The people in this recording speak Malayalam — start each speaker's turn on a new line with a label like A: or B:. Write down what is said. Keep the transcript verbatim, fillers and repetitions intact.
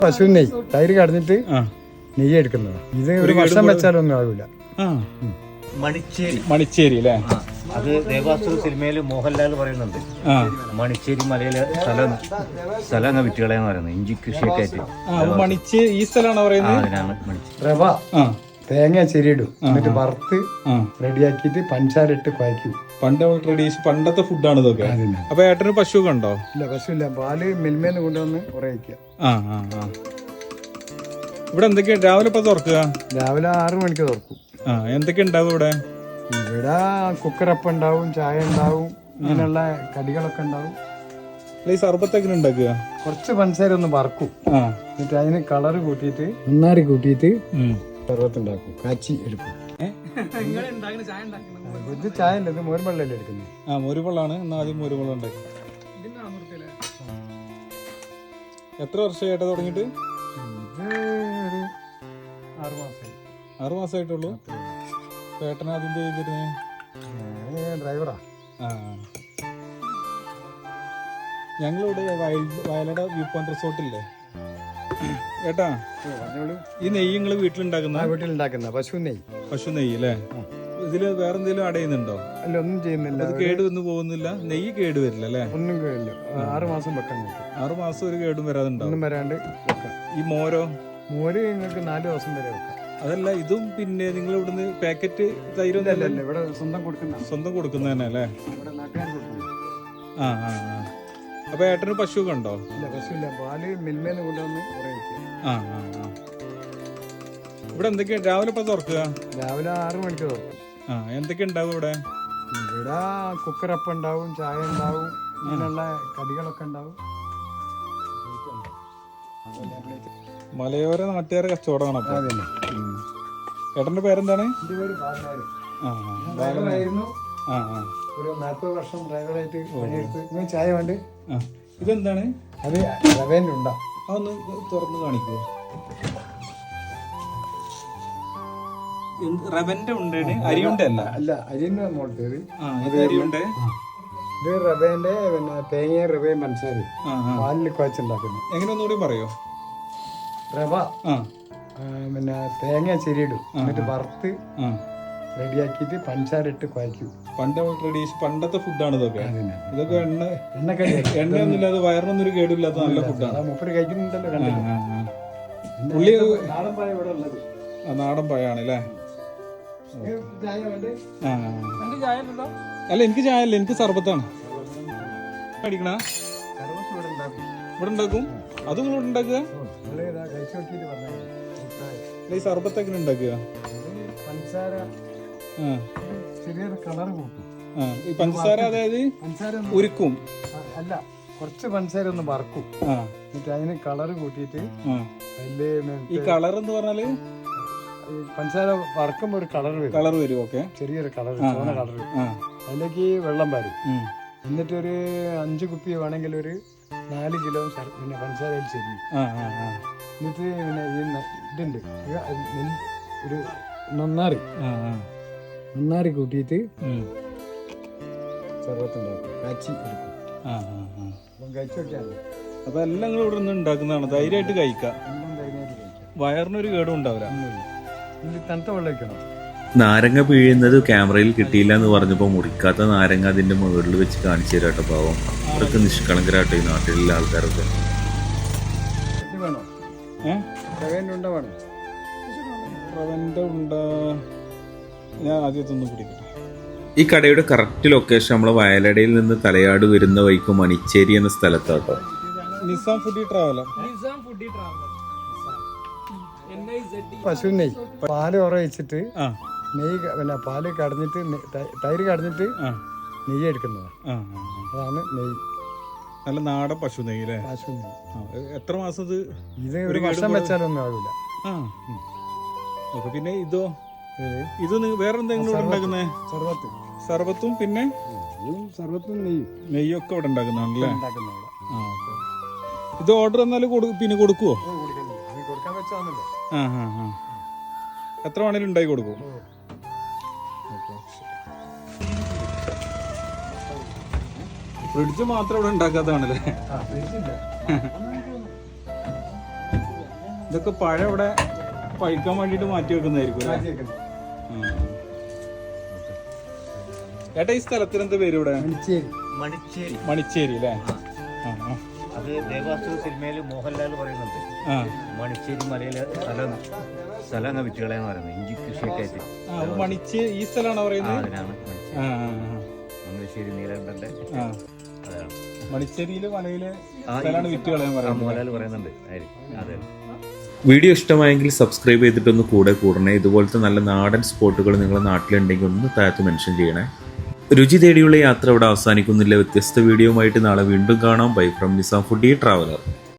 A: പശു നെയ് തൈര് കടഞ്ഞിട്ട് നെയ്യ് എടുക്കുന്നത്. ഇത് ഒരു വർഷം വെച്ചാലൊന്നും ആവില്ല.
B: മണിച്ചേരി
C: മണിച്ചേരി അല്ലേ?
B: അത് ദേവാസുര സിനിമയിൽ മോഹൻലാൽ പറയുന്നുണ്ട്, മണിച്ചേരി മലയിലെ സ്ഥലം സ്ഥലം വിറ്റുകളെന്ന് പറയുന്നത് ഇഞ്ചി കൃഷിയൊക്കെ ആയിട്ട്.
C: മണിച്ചേരി ഈ സ്ഥലമാണോ പറയുന്നത്?
B: അതിനാണ് മണിച്ചേരി.
A: റവ തേങ്ങ ചെരിയിടും, എന്നിട്ട് വറുത്ത് റെഡിയാക്കിയിട്ട് പഞ്ചാര ഇട്ട് കുഴക്കും.
C: പണ്ട് ട്രഡീഷൻ പണ്ടത്തെ ഫുഡാണ് ഇതൊക്കെ. അപ്പൊ ഏട്ടന് പശു ഒക്കെ ഉണ്ടോ?
A: ഇല്ല, പശു ഇല്ല. പാല് മിൽമേന്ന് കൊണ്ടുവന്ന് കുറയ്ക്കുക.
C: ആ ആ ആ ഇവിടെ എന്തൊക്കെയാ രാവിലെ ഇപ്പൊ തുറക്കുക?
A: രാവിലെ ആറു മണിക്ക് തുറക്കും.
C: ആ എന്തൊക്കെ ഉണ്ടാവും ഇവിടെ?
A: ഇവിടെ കുക്കറപ്പം ഉണ്ടാവും, ചായ ഉണ്ടാവും, ഇങ്ങനെയുള്ള കടികളൊക്കെ ഉണ്ടാവും.
C: ഈ സർബത്ത് എങ്ങനെ ഉണ്ടാക്കുക?
A: കുറച്ച് പഞ്ചസാര ഒന്ന് വറക്കും, എന്നിട്ട് അതിന് കളറ് കൂട്ടിയിട്ട് നന്നാരി കൂട്ടിയിട്ട് സർബത്ത് ഉണ്ടാക്കും, കാച്ചി എടുക്കും. ഇത് ചായ അല്ല, ഇത് മോരുവെള്ളല്ലേ എടുക്കുന്നത്.
C: ആ മോരുവെള്ളാണ്. എന്നാ ആദ്യം മോരുവെള്ളം ഉണ്ടാക്കി. എത്ര വർഷമായിട്ടാ തുടങ്ങിയിട്ട്?
A: ഇത് ഒരു ആറു മാസമായി.
C: ആറു മാസമായിട്ടുള്ളൂ. ഏട്ടൻ ആദ്യം ചെയ്തിരുന്നേ?
A: ഡ്രൈവറാ.
C: ആ ഞങ്ങളിവിടെ വയലട വ്യൂ പോയിന്റ് റിസോർട്ടില്ലേ ഏട്ടാ, ഈ നെയ്യ് നിങ്ങള് വീട്ടിലുണ്ടാക്കുന്ന?
A: വീട്ടിലുണ്ടാക്കുന്ന പശു നെയ്യ്.
C: പശു നെയ്യ് അല്ലേ? ഇതില് വേറെ എന്തെങ്കിലും അടയുന്നുണ്ടോ?
A: അല്ല, ഒന്നും ചെയ്യുന്നില്ല.
C: അത് കേട് വന്ന് പോകുന്നില്ല? നെയ്യ് കേട് വരില്ല അല്ലേ?
A: ഒന്നും കേടില്ല. ആറു മാസം വെക്കാൻ പറ്റും.
C: ആറു മാസം ഒരു കേടും വരാതുണ്ടാവും.
A: ഒന്നും വരാണ്ട് വെക്കാം.
C: ഈ മോരോ?
A: മോര് നിങ്ങൾക്ക് നാല് ദിവസം വരെ വെക്കാം.
C: അതല്ല, ഇതും പിന്നെ നിങ്ങൾ ഇവിടുന്ന് പാക്കറ്റ് തൈരൊന്നും
A: അല്ല, ഇവിടെ സ്വന്തം കൊടുക്കുന്ന
C: സ്വന്തം കൊടുക്കുന്ന തന്നെ അല്ലേ?
A: ഇവിടെ നാട്ടുകാർ കൊടുക്കുന്നു.
C: ആ ആ ആ അപ്പൊ ഏട്ടന് പശു ഒക്കെ ഉണ്ടോ?
A: ഇല്ല, പശു ഇല്ല. പാല് മിൽമേന്ന് കൊണ്ടുവന്ന് കുറയ്ക്കുക.
C: ആ ആ ആ ഇവിടെ എന്തൊക്കെയാ രാവിലെ ഇപ്പൊ തുറക്കുക?
A: രാവിലെ ആറു മണിക്ക് തുറക്കും.
C: ആ എന്തൊക്കെ ഉണ്ടാവും ഇവിടെ?
A: ഇവിടെ കുക്കറപ്പം ഉണ്ടാവും, ചായ ഉണ്ടാവും, ഇങ്ങനെയുള്ള കടികളൊക്കെ ഉണ്ടാവും.
C: മലയോര നാട്ടുകാരെ കച്ചവടമാണ്. അപ്പൊ
A: അതന്നെ.
C: ഏട്ടന്റെ പേരെന്താണ്?
A: എന്റെ പേര് ബാലനാര്.
C: ആ
A: ഡ്രൈവറായിരുന്നു.
C: ആ ആ
A: ഒരു നാൽപ്പത് വർഷം ഡ്രൈവറായിട്ട് പണിയെടുത്ത്. നിങ്ങൾ ചായ വേണ്ട?
C: ആ ഇതെന്താണ്?
A: അത് റവേൻ്റെ ഉണ്ടാ.
C: അതൊന്ന് തുറന്ന് കാണിക്കൂ. റവന്റെ ഉണ്ടാണ്, അരിയുണ്ട അല്ല?
A: അല്ല, അരിന്റെ മോളത്തേത്.
C: ഇത് അരിയുണ്ട്.
A: ഇത് റവേന്റെ പിന്നെ തേങ്ങയും റവയും പഞ്ചസാരയും പാലിൽ കുഴച്ചുണ്ടാക്കുന്നത്.
C: എങ്ങനെ ഒന്നുകൂടി പറയോ?
A: റവ പിന്നെ തേങ്ങ ചെരിയിടും, എന്നിട്ട് വറുത്ത് റെഡിയാക്കിയിട്ട് പഞ്ചസാര ഇട്ട് കുഴക്കും.
C: പണ്ട് ട്രഡീഷൻ പണ്ടത്തെ ഫുഡാണ് ഇതൊക്കെ. ഇതൊക്കെ എണ്ണ
B: എണ്ണക്കടി
C: എണ്ണയൊന്നും ഇല്ലാതെ വയറിനൊന്നും ഒരു കേടില്ലാത്ത നല്ല ഫുഡാണ്.
A: മുപ്പര് കഴിക്കുന്നുണ്ടല്ലോ.
C: പുള്ളി
A: നാടൻ പായ ഇവിടെ ഉള്ളത്.
C: നാടൻ പായാണ് അല്ലേ? അല്ല, എനിക്ക് ചായ അല്ല, എനിക്ക് സർബത്താണ് അടിക്കണ. ഇവിടെ ഉണ്ടാക്കും. അത് നിങ്ങൾ ഇവിടെ ഉണ്ടാക്കുക? ഈ സർബത്ത് എങ്ങനെ ഉണ്ടാക്കുക?
A: പഞ്ചസാര ചെറിയൊരു കളർ കൂട്ടും.
C: ഈ പഞ്ചസാര അതായത്
A: പഞ്ചസാര
C: ഉരുക്കും?
A: അല്ല, കുറച്ച് പഞ്ചസാര ഒന്ന് വറക്കും, എന്നിട്ട് അതിന് കളർ കൂട്ടിയിട്ട് അതില്
C: ഈ കളർ എന്ന് പറഞ്ഞാല്
A: പഞ്ചസാര വറക്കുമ്പോ ഒരു കളർ വരും.
C: കളർ വരും. ഓക്കെ,
A: ചെറിയൊരു കളർ, ചുവന്ന കളർ. അതിലേക്ക് വെള്ളം പാരും. എന്നിട്ട് ഒരു അഞ്ച് കുപ്പി വേണമെങ്കിൽ ഒരു നാല് കിലോ പിന്നെ പഞ്ചസാരയിൽ ചെരിയും. എന്നിട്ട് പിന്നെ ഈ ഇതുണ്ട് ഒരു നന്നാറി നന്നാറി കൂട്ടിയിട്ട് സർവത്തുണ്ടാക്കും, കാച്ചി എടുക്കും. അപ്പം കഴിച്ചൊക്കെയാണ്.
C: അപ്പൊ എല്ലാം നിങ്ങൾ ഇവിടെ നിന്ന് ഉണ്ടാക്കുന്നതാണ്. ധൈര്യമായിട്ട് കഴിക്കാം.
A: എല്ലാം ധൈര്യമായിട്ട് കഴിക്കാം.
C: വയറിനൊരു കേടും ഉണ്ടാവില്ല.
A: തണുത്ത വെള്ളം വയ്ക്കണം.
D: നാരങ്ങ പിഴിയുന്നത് ക്യാമറയിൽ കിട്ടിയില്ല എന്ന് പറഞ്ഞപ്പോൾ മുറിക്കാത്ത നാരങ്ങ അതിന്റെ മുകളിൽ വെച്ച് കാണിച്ചു തരാട്ടോ. പാവം, അതൊക്കെ നിഷ്കളങ്കരാട്ടോ ഈ നാട്ടിലുള്ള ആൾക്കാരൊക്കെ.
C: ഞാൻ ആദ്യത്തൊന്നും പിടിക്കട്ടെ.
D: ഈ കടയുടെ കറക്റ്റ് ലൊക്കേഷൻ നമ്മളെ വയലടയിൽ നിന്ന് തലയാട് വരുന്ന വഴിക്ക് മണിച്ചേരി എന്ന സ്ഥലത്താട്ടോ.
C: Nizam foodie traveller.
A: പശു നെയ്യ് പാല് ഉറയിച്ചിട്ട് നെയ്യ് പിന്നെ പാല് കടഞ്ഞിട്ട് തൈര് കടഞ്ഞിട്ട് നെയ്യ് എടുക്കുന്നതാണ്. അതാണ് നെയ്യ്.
C: നല്ല നാടൻ പശു നെയ്യ് അല്ലേ?
A: പശു നെയ്യ്.
C: എത്ര മാസം ഇത്?
A: ഇത് ഒരു വർഷം വെച്ചാലൊന്നും ആവില്ല.
C: ആ ഓക്കെ. പിന്നെ ഇതോ? ഇത് വേറെ എന്തെങ്കിലും ഉണ്ടാക്കുന്നേ?
A: സർബത്ത്.
C: സർബത്തും പിന്നെ
A: സർബത്തും നെയ്യും
C: നെയ്യൊക്കെ ഇവിടെ ഉണ്ടാക്കുന്നതാണല്ലേ?
A: ഉണ്ടാക്കുന്നതാണ്.
C: ആ ഓക്കെ. ഇത് ഓർഡർ എന്നാലും പിന്നെ കൊടുക്കുവോ?
A: കൊടുക്കാൻ വെച്ചാണല്ലോ.
C: ആ ആ ആ എത്ര വേണേലും ഉണ്ടാക്കി കൊടുക്കും. ഫ്രിഡ്ജ് മാത്രം ഇവിടെ ഉണ്ടാക്കാത്തതാണല്ലേ? ഇതൊക്കെ പഴം ഇവിടെ പഴുക്കാൻ വേണ്ടിട്ട് മാറ്റി വെക്കുന്നതായിരിക്കും അല്ലേ?
A: മാറ്റിയേക്കുന്നത്.
C: ആ. ഏട്ടാ ഈ സ്ഥലത്തിന് എന്താ പേര് ഇവിടെ?
A: മണിച്ചേരി.
B: മണിച്ചേരി
C: മണിച്ചേരി അല്ലേ? ആ ആ
B: അത് ദേവാസുര സിനിമയിൽ മോഹൻലാൽ പറയുന്നുണ്ട്.
C: ആ
B: മണിച്ചേരി മലയിലെ സ്ഥലം സ്ഥലം അങ്ങ് വിറ്റുകളയെന്ന് പറയുന്നത് ഇഞ്ചി കൃഷിയൊക്കെ ആയിട്ട്.
C: ആ, അപ്പൊ മണിച്ചേ ഈ സ്ഥലമാണോ
B: ആ,
C: പറയുന്നത്?
B: അതിനാണ് മണിച്ചേരി.
C: ആ ആ,
B: മംഗലശ്ശേരി നീലകണ്ഠന്റെ
C: ആ.
B: അതാണ്.
C: മണിച്ചേരിയില് മലയില്
B: ആ,
C: സ്ഥലമാണ് വിറ്റ് കളയാൻ
B: ആ,
C: പറയുന്നത്.
B: മോഹൻലാൽ പറയുന്നുണ്ട്. അതെ അതെ.
D: വീഡിയോ ഇഷ്ടമായെങ്കിൽ സബ്സ്ക്രൈബ് ചെയ്തിട്ടൊന്ന് കൂടെ കൂടണേ. ഇതുപോലത്തെ നല്ല നാടൻ സ്പോട്ടുകൾ നിങ്ങളുടെ നാട്ടിലുണ്ടെങ്കിൽ ഒന്ന് താഴത്ത് മെൻഷൻ ചെയ്യണേ. രുചി തേടിയുള്ള യാത്ര ഇവിടെ അവസാനിക്കുന്നില്ല. വ്യത്യസ്ത വീഡിയോയുമായിട്ട് നാളെ വീണ്ടും കാണാം. Bye from Nizam foodie traveller.